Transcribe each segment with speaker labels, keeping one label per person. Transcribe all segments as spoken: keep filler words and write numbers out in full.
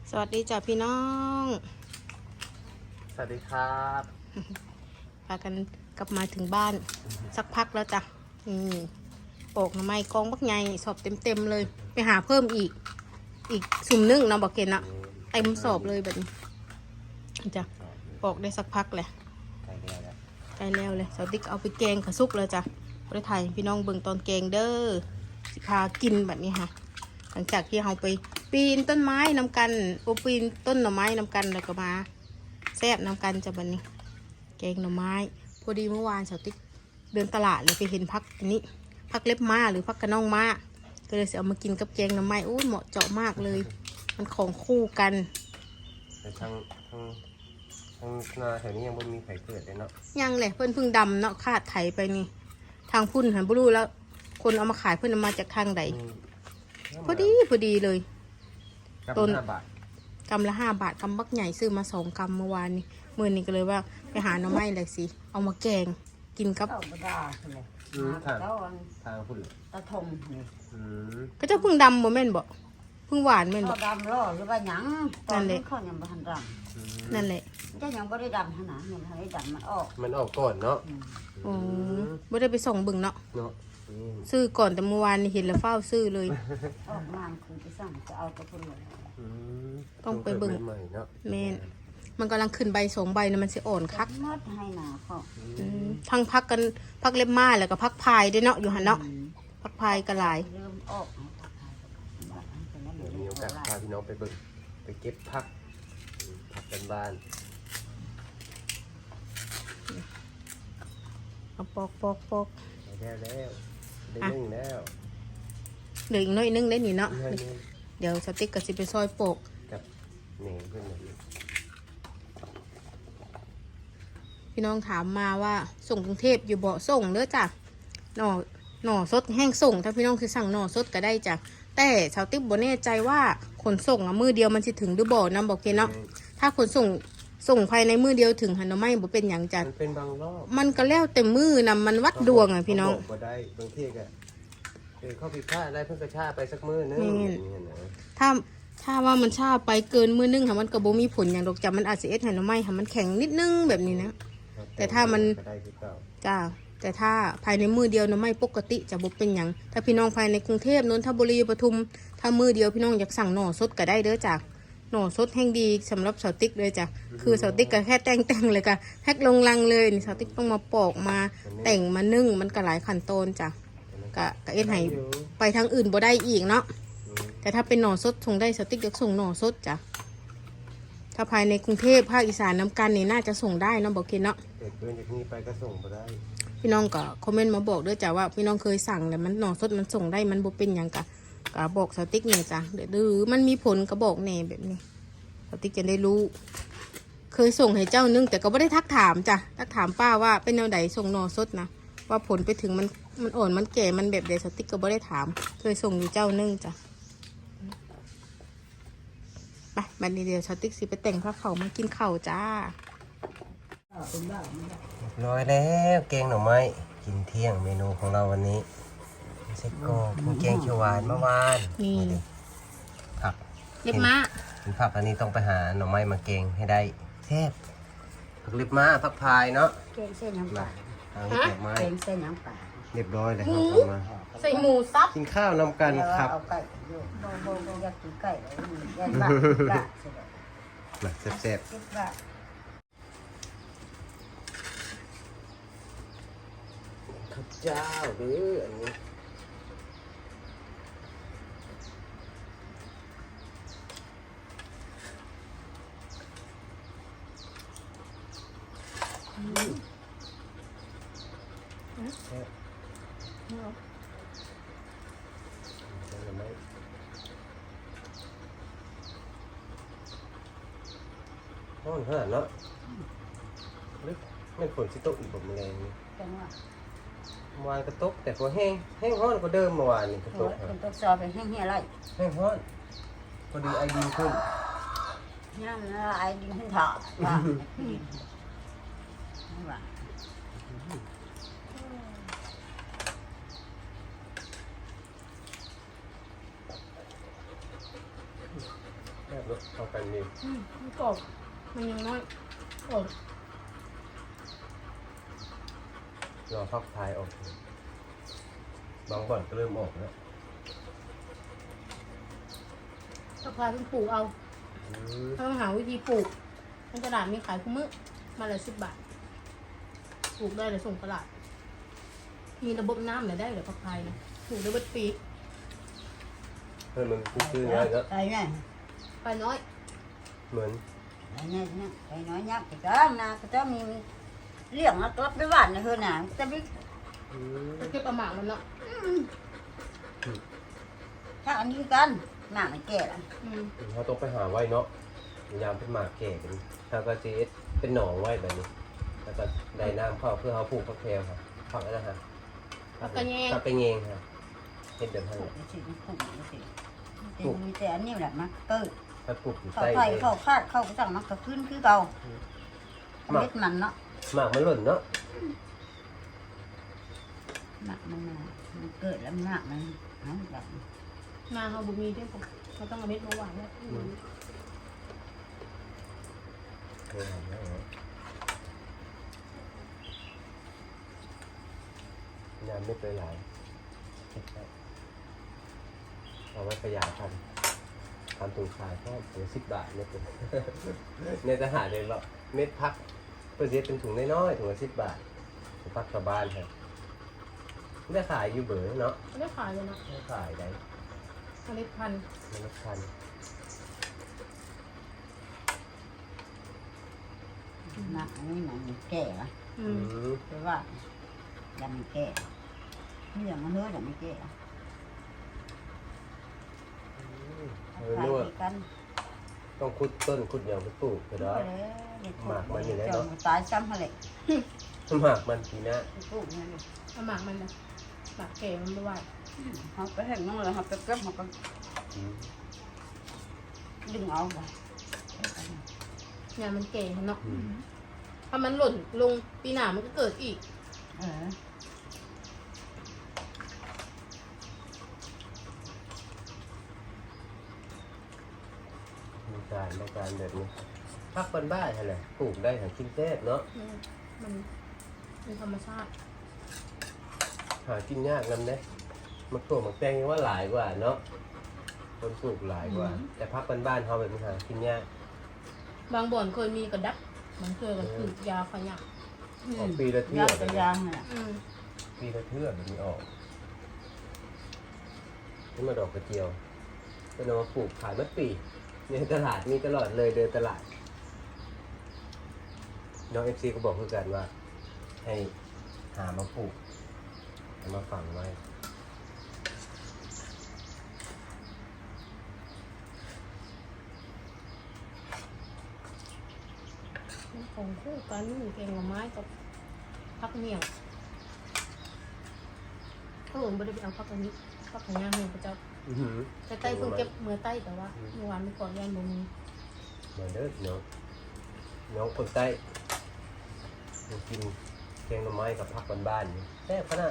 Speaker 1: สวัสดีจ้ะพี่น้อง
Speaker 2: สวัสดีครับ
Speaker 1: พากันกลับมาถึงบ้านสักพักแล้วจ้ะนี่โปกหน่อไม้กองบักใหญ่สอบเต็มๆเลย ไปหาเพิ่มอีก อีกสุ่มนึ่งเนาะบอกเกณฑ์เนาะเต็มสอบเลยแบบนี้จ้ะปอกได้สักพักแหละใกล้แล้วเลยสาวติ๊กเอาไปแกงกระซุกเลยจ้ะไปถ่ายพี่น้องเบิ่งตอนแกงเด้อสิพากินแบบนี้ค่ะหลังจากที่เราไปปีนต้นไม้นำกันโอปีนต้นหน่อไม้นำกันแล้วก็มาแซ่บนำกันจะบันนี้แกงหน่อไม้พอดีเมื่อวานสาวติ๊กเดินตลาดเลยไปเห็นพักอันนี้พักเล็บม้าหรือพักกระน่องม้าก็เลยเอามากินกับแกงหน่อไม้โอ้เหมาะเจาะมากเลยมันของคู่กัน
Speaker 2: แต่ทางทางทางนาแถวนี้ยังไม่มีไข่เกิดเลยเนาะ
Speaker 1: ยังเลยเพื่อนพึ่งดำเนาะคาดไถไปนี่ทางพุ่นหันบลูแล้วคนเอามาขายเพื่อนเอามาจากทางใดพอดีพอดีเลย
Speaker 2: ต้นห้าบาท
Speaker 1: กำละห้าบาทกำบักใหญ่ซื้อมาสองกำเมื่อวานนี้มื่อนี้ก็เลยว่าไปหาหน่อไม้เลยสิเอามาแกงกินกับ
Speaker 2: ทางทางพุ่น
Speaker 3: ตะทงนี่
Speaker 1: ก็จะพึ่งดำโมเมนต์บ่พึ่งหวานเมนบ่
Speaker 3: ดำล่อหรือว่าหยังตอนนี้เขายังไม่ทันด
Speaker 1: ำนั่นแหละ
Speaker 3: จะยังไม่ได้ดำขนาดยังไม่ได้ดำมันออก
Speaker 2: มันออกก่อนเนาะ
Speaker 1: อ๋อไม่ได้ไปส่งบึงเนาะ
Speaker 2: เนาะ
Speaker 1: ซื้อก่อนแต่เมื่อวานเห็นแล้วเฝ้าซื้อเลย
Speaker 3: ออกมาคือไปสั่งจะเอากระพุ้นเลย
Speaker 1: ต้องไปบึงแม่นมันกำลังขึ้นใบสองใบนะมันจะอ่อนคัก
Speaker 3: มัดให้หนาเขา
Speaker 1: ทั้งพักกันพักเล็บม้าแล้วก็พักพายด้วยเนาะอยู่หันเนาะพักพายกระหลาย
Speaker 3: เริ่มออก
Speaker 2: มีโอกาสพาพี่น้องไปบึงไปเก็บผักผักกันบ้าน
Speaker 1: เอาปอกปอกปอก
Speaker 2: แล้วแล้วได้นึ่งแล้ว
Speaker 1: เหลืออีกน้อยนึงได้หนิเนาะเดี๋ยวสติ๊กกับสิไปซอยโปก
Speaker 2: กับเนยเพื่อน
Speaker 1: พี่น้องถามมาว่าส่งกรุงเทพอยู่บ่ส่งเด้อจ้ะหน่อหน่อสดแห้งส่งถ้าพี่น้องคือสั่งหน่อสดก็ได้จ้ะแต่ชาวติ๊กบ่แน่ใจว่าขนส่งอะมือเดียวมันจะถึงหรือบ่นะบอกเกเนาะถ้าขนส่งส่งภายในมือเดียวถึงหันไม่บ่เป็นอย่างจัด
Speaker 2: มันเป็นบางรอบ
Speaker 1: มันก็แล้วแต่มือนำมันวัดดวงอ่ะพี่น้อง
Speaker 2: บ่ได้บางทีก็เออเข้าผิดพลาดได้เพิ่งกระชาไปสักมือนึง
Speaker 1: ถ้าถ้าว่ามันชาไปเกินมือนึงค่ะมันก็บ่มีผลอย่างดอกจ้ะมันอาจจะเอ็ดหันไม่ค่ะมันแข็งนิดนึงแบบนี้นะแต่ถ้ามันจ้าแต่ถ้าภายในมือเดียวนะไม่ปกติจะบ่เป็นอย่างถ้าพี่น้องภายในกรุงเทพนนทบุรีปทุมถ้ามือเดียวพี่น้องอยากสั่งหน่อสดก็ได้เด้อจ้ะหน่อสดแห้งดีสำหรับสาวติ๊กเลยจ้ะคือสาวติ๊กก็แค่แต่งแต่งเลยค่ะแพ็คลงลังเลยนี่สาวติ๊กต้องมาปอกมาแต่งมานึ่งมันก็หลายขั้นตอนจ้ะกะกะเอ็นให้ไปทางอื่นบ่ได้อีกเนาะแต่ถ้าเป็นหน่อสดส่งได้สาวติ๊กอยากส่งหน่อสดจ้ะถ้าภายในกรุงเทพภาคอีสานน้ำกันนี่น่าจะส่งได้เนาะบอกเคนเนาะ
Speaker 2: เกิดเกินจากนี้ไปก็ส่งไปได้
Speaker 1: พี่น้องก็คอมเมนต์มาบอกด้วยจ้ะว่าพี่น้องเคยสั่งแต่มันหน่อสดมันส่งได้มันบ่เป็นอย่างกะกะบอกสติ๊กเนี่ยจ้ะเดี๋ยวหรือมันมีผลก็บอกแน่แบบนี้สติ๊กจะได้รู้เคยส่งให้เจ้านึงแต่ก็ไม่ได้ทักถามจ้ะทักถามป้าว่าเป็นแนวไหนส่งหน่อสดนะว่าผลไปถึงมันมันอ่อนมันแก่มันแบบใดสติ๊กก็ไม่ได้ถามเคยส่งอยู่เจ้านึงจ้ะไปบัดนี้เดี๋ยวสติ๊กสิไปแต่งผ้าเข่ามากินเข่าจ้า
Speaker 2: ร้อยแล้วแกงหน่อไม้กินเที่ยงเมนูของเราวันนี้เซ็กโก้กินแกงเขียวหวานเมื่อวาน
Speaker 1: นี่
Speaker 2: ผัก
Speaker 1: เล็บม้า
Speaker 2: เป็นผักอันนี้ต้องไปหาหน่อไม้มาแกงให้ได้แซ่บผักเล็บม้าผักพายเนาะ
Speaker 3: แกงเส้นน้ำปลาแกงเส้นน้ำปลา
Speaker 2: เรียบร้อยเลยครับมา
Speaker 1: ใส่หมูซับ
Speaker 2: กินข้าวนำกันครับ
Speaker 3: เอาไก่โบโบโบอยากกินไก่เลยอยากบ้า
Speaker 2: มาแซ่บๆข้าวเจ้าหรืออันนี้ห้องขนาดเนาะไม่ฝนสิตกอีกผมแรงนี่เมื่อวานกระตกแต่พอแห้งแห้งห้อนกว่าเดิมเมื่อวานนี่กระตก
Speaker 3: เป็นตกซอเป็นแห้งๆไร
Speaker 2: แห้งห้อนพอดีไอดีขึ้น
Speaker 3: ย่างแล้วไอดีขึ้นเถาะว่า
Speaker 2: แเนาะเข้ากันดี
Speaker 1: อืมมันกรอบมันยังน้อยกรอบ
Speaker 2: รอฟักทายออกบางบ่อนก็เริ่มออกแล้ว
Speaker 1: ถ้าพาต้องปลูกเอา
Speaker 2: อืม
Speaker 1: ต้องหาวิธีปลูกในตลาดมีขายคุ้มมื้อมาละสิบบาทปลูกได้เลยส่งตลาด มีระบบน้ำเนี่ยได้เหรือพักไทยนะปลูกได้เบิดปี
Speaker 2: เพื่อนมันซื้อง่ายเนาะ
Speaker 3: ไอ้เนี่ย
Speaker 1: ไปน้อย
Speaker 2: เหมือน
Speaker 3: ไอ้เนี่ยเนี่ยไอ้น้อยยักษ์ก็จ้านาก็จะมีเลี้ยงแล้วก็ไปบ้านนะเฮือน่ะจะมี
Speaker 2: อืม
Speaker 1: จะเก็บประหมากมันเนาะ
Speaker 3: ถ้าอันนี้กันหน้ามันแก่ละ
Speaker 1: อืม
Speaker 2: เขาต้องไปหาไว้เนาะพยายามเป็นหมากแก่กันถ้าก็จะเป็นหนองไว้แบบนี้ แล้วก็ได้น้ำเข้าเพื่อเขาปลูกฟักแพรวครับฟักอะไรนะฮะ
Speaker 1: พักกระแยง
Speaker 2: ฟักกระเงงครับเห็ดเดิมท่าน
Speaker 3: ปลู
Speaker 2: เลย
Speaker 3: กสิปลูกสิมีแต่อันนี้แหละมันเกิด
Speaker 2: ถ้าปลูกอยู่
Speaker 3: เข้า
Speaker 2: ใต้
Speaker 3: ไผ่
Speaker 2: เลย
Speaker 3: เข้าคาดเข้าสั่งมันก็ขึ้นคือเก่าเม็ดมันเนาะ
Speaker 2: หมากมันหล่นเนาะ
Speaker 3: หนักมันมามันเกิดแล้วหนักมันนั่นแบบ
Speaker 1: นาเขาบุมีด้วยผมเขาต้องเอาเม็ดมาหวานแล้ว
Speaker 2: เออเอาแล้วเอางานไม่เคยหลายเอาไว้ประหยัดกันทำถุงขายแค่ถุงสิบบาทเนี่ยเป็น ในทหารเลยเราเม็ดพักเพื่อจะเป็นถุงน้อยๆถุงละสิบบาทถุงพักชาวบ้านครับได้ขายอยู่เบอร์เนาะ
Speaker 1: ไม่ได้ขายเลยนะ
Speaker 2: ได้ขายได้
Speaker 1: เมล็ดพันธุ์
Speaker 2: เมล็ดพันธุ์
Speaker 3: หนักอันนี้มันแก่ละ
Speaker 1: อื
Speaker 2: อื
Speaker 1: ม
Speaker 2: ม
Speaker 3: เพราะว่ายังไม่แก่นี่อย่างมันเนื้อยังไม่แก่
Speaker 2: เออ
Speaker 3: ขาย
Speaker 2: นึกว่า
Speaker 3: ที่กัน
Speaker 2: ต้องขุดต้นขุดอย่างไปปลูกก็ได้ หมากมันอยู่ไหนเนาะ
Speaker 3: ตายซ้ำอะไร
Speaker 2: หมากมันปีหน้า
Speaker 3: ปลูกนี่เลย
Speaker 1: เอาหมากมันนะหมากแก่มันไม่ไหว
Speaker 3: เขาไปเห็นน้องเลยเขาไปเก็บเขาก็
Speaker 2: อืม
Speaker 3: ดึงเอาไป
Speaker 1: งานมันแก่เนาะ
Speaker 2: อืม
Speaker 1: ถ้ามันหล่นลงปีหน้ามันก็เกิดอีก
Speaker 3: เออ
Speaker 2: มีการในการแบบนี้พักบ้านบ้านอะไรปลูกได้ทั้งกินแซ่บเนาะ
Speaker 1: อืมมันเป็นธรรมชาติ
Speaker 2: หากินยากนำเด้มันปลูกมันแตงยังว่าหลายกว่าเนาะคนปลูกหลายกว่า แต่พักบ้านบ้านเขาแบบนี้หากินยาก
Speaker 1: บางบ่อนเคยมีกระดับมันเคยก็คือยาขยัก
Speaker 2: ออกปีละเทื่
Speaker 3: ยา
Speaker 2: อ
Speaker 3: กระยางน่ะ
Speaker 1: อืม
Speaker 2: ปีละเทื่อแบบนี้ออกนี่มาดอกกระเจียวก็นำมาปลูกขายเมื่อปีในตลาดมีตลอดเลยเดินตลาดน้องเอฟซีก็บอกเพื่อกันว่า ให้หามาปลูกเอามาฝังไว้
Speaker 1: ของคู่กันนี่แกงหน่อไม้กับพักเมี่ยงเขาหลงไม่ได้ไปเอาพักอันนี้พักของย่างเมี่ยงพระเจ้า
Speaker 2: อื้อหือ
Speaker 1: แต่ใต้เพิ่งเก็บเมื่อใต้แต่ว่าเมื่อวานไม่ก่อนย่านบ่มี
Speaker 2: มาเด้อน้องน้องคนใต้มากินแกงหน่อไม้กับผักบ้านๆนี่แซ่บขนาด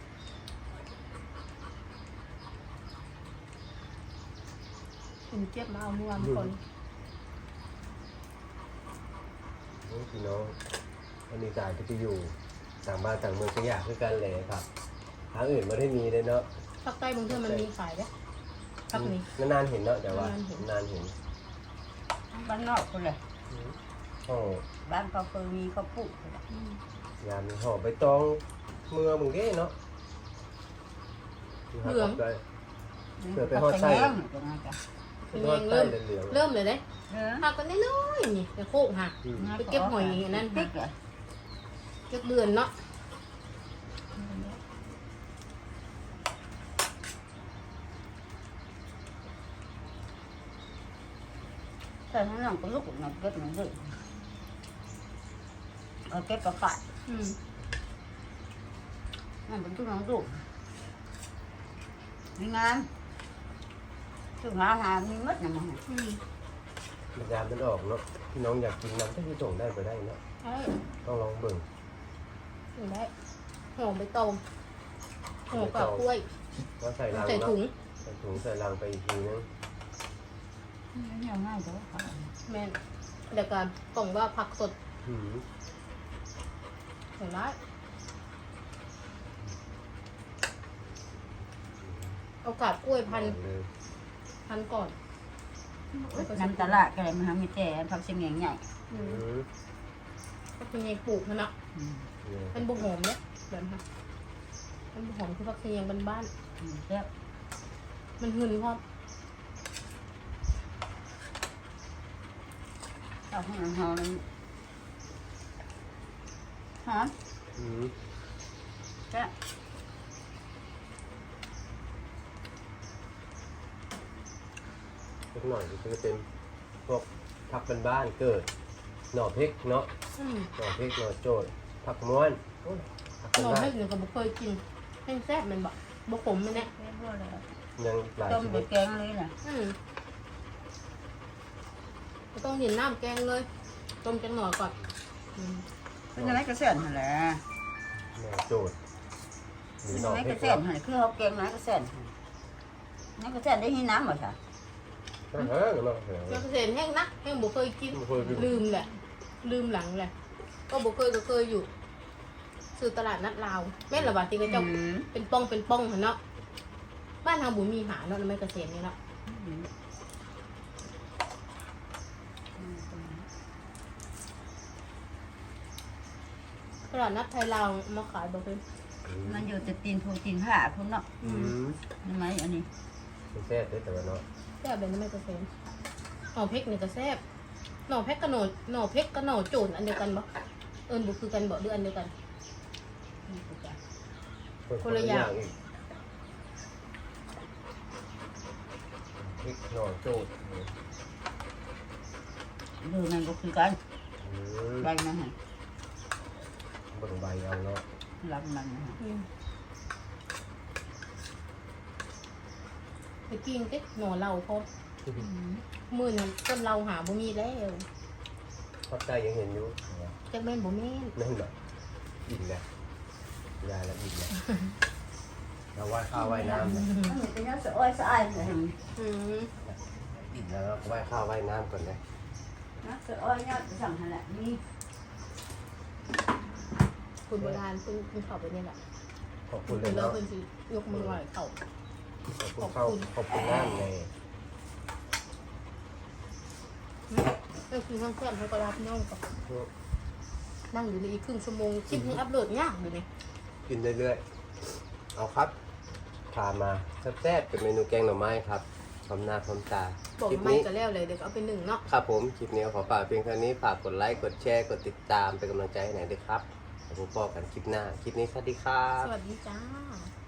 Speaker 1: คุณเก็บมาเอาเมื่อวานก่อน
Speaker 2: นี่พี่น้องอันนี้การจะไปอยู่ต่างบ้านต่างเมืองก็อยากคือกันเลยครับทางอื่นไม่ได้มีเลยเนาะ
Speaker 1: ภาคใต้บางทีมันมีขายเด้พักนี้
Speaker 2: นานๆเห็นเนาะแต่ว่าน
Speaker 1: านๆเห็น
Speaker 2: นานเห็น
Speaker 3: บ้านนอกคนเลย
Speaker 2: ห่อ
Speaker 3: บ้านเขาเคยมีเขาปลูก
Speaker 1: อืม
Speaker 2: ยามห่อใบตองเมื่อมึงเด้เนาะ
Speaker 1: เหลือง
Speaker 2: ได้ เผื่อไป
Speaker 3: เขา
Speaker 2: ฮอดไส้
Speaker 3: แง่ตรงนั้นจ้ะ
Speaker 1: เป็นยังเริ่ม
Speaker 2: เหลืองๆ
Speaker 1: เริ่มเลยเด้
Speaker 3: เออ
Speaker 1: หักกันน้อยๆนี่แต่โคกหัก
Speaker 2: อืม
Speaker 1: ไปเก็บหอยอันนั้น
Speaker 3: พริกเหรอ
Speaker 1: เก็บเดือนเนาะ
Speaker 3: แต่ถ้าน้องก็ลูกน้องเก็บน้องดื้อเอาเก็บกระฝาด
Speaker 1: อืม
Speaker 3: นั่นเป็นตู้น้องดุมีงานถึงหาหามีมัดนะมึง
Speaker 1: อืม
Speaker 2: ยามมันออกเนาะพี่น้องอยากกินน้ำก็ที่ส่งได้ไปได้เนาะ
Speaker 1: ใช่
Speaker 2: ต้องลองเบิ่ง
Speaker 1: อยู่ได้หอมใบตองหอมกับกล้วย
Speaker 2: ว่าใส่ลัง
Speaker 1: ใส่
Speaker 2: เนาะ
Speaker 1: ถุง
Speaker 2: ใส่ถุงใส่ลังไปอีกทีนึง
Speaker 1: ม
Speaker 3: เหี่ยวง่ายจ้ะค่ะ
Speaker 1: แม่นเดี๋ยวกันกล่องว่าผักสด
Speaker 2: หืม
Speaker 1: เดี๋ยวร้ายเอากาบกล้วยพัน
Speaker 2: เลย
Speaker 1: พันก่อน
Speaker 3: น้ำตลาดก็เลยมันทำมีแต่ผักเสียงใหญ่
Speaker 1: อื
Speaker 2: หื
Speaker 1: ม
Speaker 2: ม
Speaker 1: ก็เป็นไงปลูกมันเนาะ
Speaker 3: ๆอืม
Speaker 2: เนี่ย
Speaker 1: เป็นบุหอมเนี่ยแบบนี้เป็นบุหอมคือผักเสียงบ้าน
Speaker 3: อืมแล้ว
Speaker 1: ๆมันหืนพร้อม
Speaker 3: เอาให้มันหอมหอม
Speaker 2: หืม
Speaker 3: แซ่บ
Speaker 2: เล็กหน่อยก็จะเป็นพวกผักบ้านๆเกิดหน่อพริกเนาะ
Speaker 1: อืม
Speaker 2: หน่อพริกหน่อโจดผักม้วนโอ้ยผัก
Speaker 1: หน่อ
Speaker 2: บ้า
Speaker 1: ให้
Speaker 2: น
Speaker 1: หนูก็บ่เคยกินแห้งแซ่บแมันบอกบะขมมันเนี่ย
Speaker 3: แซ่บบ่เลย
Speaker 2: ๆยังหลาย
Speaker 3: ต้ม
Speaker 2: ช
Speaker 3: ไป
Speaker 2: นิด
Speaker 3: แกงเลยน่ะ
Speaker 1: อืมก็ต้องเห็นน้ำแกงเลยต้มจังหน่อก่อนอืม
Speaker 3: เป็นอะไรก็แซ่บหั่นแหละ
Speaker 2: หน่อโจดหรือ
Speaker 3: เป็น
Speaker 2: หน่อ
Speaker 3: อะไร
Speaker 2: พริ
Speaker 3: ก็
Speaker 2: ก
Speaker 3: แซ่บ
Speaker 2: เนาะ
Speaker 3: หั่นคือเขาแกงอะไรก็แซ่บนั่นก็แซ่บได้ที่น้ำบ่จ้ะ
Speaker 2: เฮ้ยเนาะเฮ้ย
Speaker 1: เจ้าเกษตรแห้งนะแห้งบ่เคยกิน
Speaker 2: บ่เคยกิน
Speaker 1: ลืมแหละ ลืมหลังแหละก็บ่เคยก็เคยอยู่ซื้อตลาดนัดลาวแม่นละบาทที่ก็เจ้า
Speaker 3: อืม
Speaker 1: เป็นป้องเป็นป้องหั่นเนาะบ้านทางบุญมีหาเนาะแล้วไม่เกษตรนี่เนาะ
Speaker 3: อืม
Speaker 1: ตลาดนัดไทยลาวมาขายบ่เป็น
Speaker 3: มันอยู่แต่ตีนผูตีนผ้าพุ่นเนาะ
Speaker 2: อืม
Speaker 3: นี่ไหมอันนี้
Speaker 2: มันแซ่บเด้อแต่ว่าเนาะ
Speaker 1: แซ่บเลยนะไม่เกษตรหน่อเพกนี่ก็แซ่บหน่อเพกกับหน่อหน่อเพกกับหน่อโจนอันเดียวกันบ่เอิ้นบ่คือกันบ่หรืออันเดียวกัน
Speaker 3: นี่คือจ้ะ
Speaker 1: คนละอย่าง
Speaker 2: อีกพริกหน่อโจด
Speaker 3: ดูมันก็คือกัน
Speaker 2: อืม
Speaker 3: ใบมันหั่น
Speaker 2: เบิ่งใบเอาเนาะ
Speaker 3: รับมันหั่น
Speaker 1: อืมไปกินติหน่อเหล้าพอ
Speaker 3: อืม
Speaker 1: มื้อนั้นต้นเหล้าหาบ่มีแล้ว
Speaker 2: ภาคใต้ยังเห็นอยู่
Speaker 1: จักแม่นบ่แม่น
Speaker 2: นั่นแบบอิ่มแล้วยายแล้วอิ่มแล้วเราไหว้ข้าวไหว้น้ำนะ
Speaker 3: อันนี้เป็นน้ำสะอ้อยสะอายเลย
Speaker 1: อืม
Speaker 2: อิ่มแล้วเราไหว้ข้าวไหว้น้ำก่อนนะ
Speaker 3: น้ำสะอ้อยเนี่ยจะสั่งหั่นแหละนี่
Speaker 1: คุณโบราณเพิ่นเพิ่นเข้าไปนี่แหละ
Speaker 2: ขอบคุณเล
Speaker 1: เพิ่
Speaker 2: ย
Speaker 1: นแล้ว
Speaker 2: เนาะ
Speaker 1: เพิ่นสิยกมือไหว้เข้า
Speaker 2: ขอบคุณข้าวขอบคุณน้ำไง
Speaker 1: เออคือข้างเพื่อนเขาก็รับน้องกับนั่งอยู่ในอีกครึ่งชั่วโมงคลิปนี้อัพโหลดยากอยู่นี่
Speaker 2: กินเรื่อยๆเอาครับพามาแซ่บๆเป็นเมนูแกงหน่อไม้ครับพร้อมหน้าพร้อมตา
Speaker 1: บอก
Speaker 2: คลิป
Speaker 1: ไม่
Speaker 2: นี้
Speaker 1: ก็แล้วเลยเดี๋ยวเอาไปหนึ่งเนาะ
Speaker 2: ครับผมคลิปนี้ขอฝากเพียงเท่านี้ฝากกดไลค์กดแชร์กดติดตามเป็นกำลังใจให้หน่อยด้วยครับแล้วพบกันคลิปหน้าคลิปนี้สวัสดีครับ
Speaker 1: สวัสดีจ้า